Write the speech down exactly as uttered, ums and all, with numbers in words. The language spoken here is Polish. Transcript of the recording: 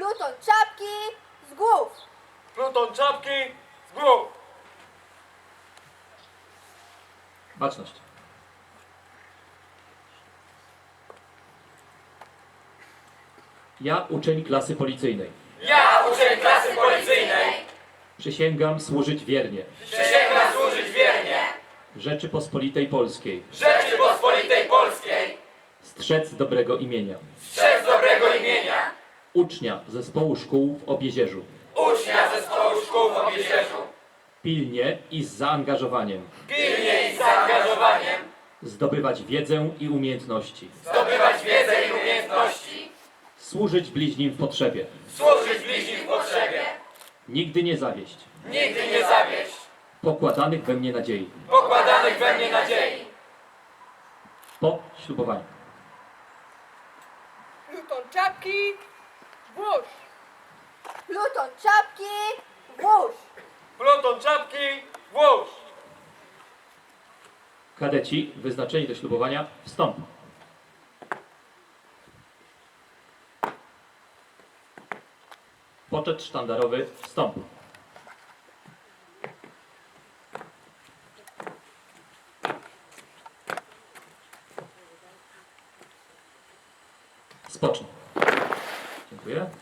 Pluton czapki z głów. Pluton czapki z głów. Baczność. Ja, uczeń klasy policyjnej, Ja, uczeń klasy policyjnej, przysięgam służyć wiernie przysięgam służyć wiernie Rzeczypospolitej Polskiej, Rzeczypospolitej Polskiej, strzec dobrego imienia, strzec dobrego imienia, ucznia zespołu szkół w Obiezierzu, ucznia zespołu szkół w Obiezierzu, pilnie i z zaangażowaniem pilnie i z zaangażowaniem zdobywać wiedzę i umiejętności, zdobywać wiedzę i umiejętności, służyć bliźnim w potrzebie, służyć bliźnim w potrzebie, nigdy nie zawieść nigdy nie zawieść pokładanych we mnie nadziei. pokładanych we mnie nadziei. Po ślubowaniu. Pluton czapki, włóż. Pluton czapki włóż. Pluton czapki włóż. Kadeci wyznaczeni do ślubowania wstąp. Poczet sztandarowy wstąp. Spocznij. Dziękuję.